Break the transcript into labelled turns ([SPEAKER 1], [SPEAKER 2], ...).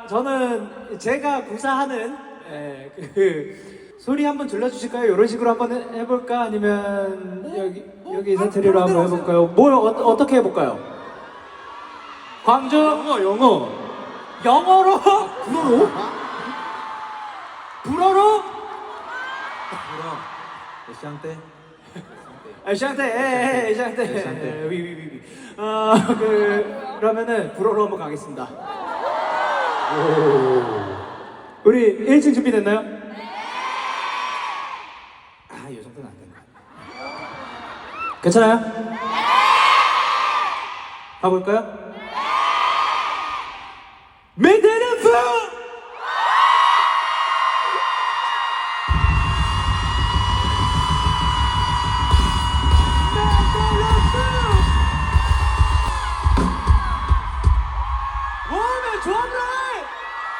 [SPEAKER 1] 저는 제가 구사하는 그 소리 한번 들려주실까요? 이런 식으로 한번 해볼까? 아니면 여기 사투리로 한번 해볼까요? 뭘 어떻게 해볼까요? 광주 영어로 불어로
[SPEAKER 2] 샹떼
[SPEAKER 1] 샹떼 위위위위 그러면은 불어로 한번 가겠습니다. 우리 1층 준비됐나요? 아, 이 정도는 안 된 것 같아요. 괜찮아요? 가볼까요? 메테르프!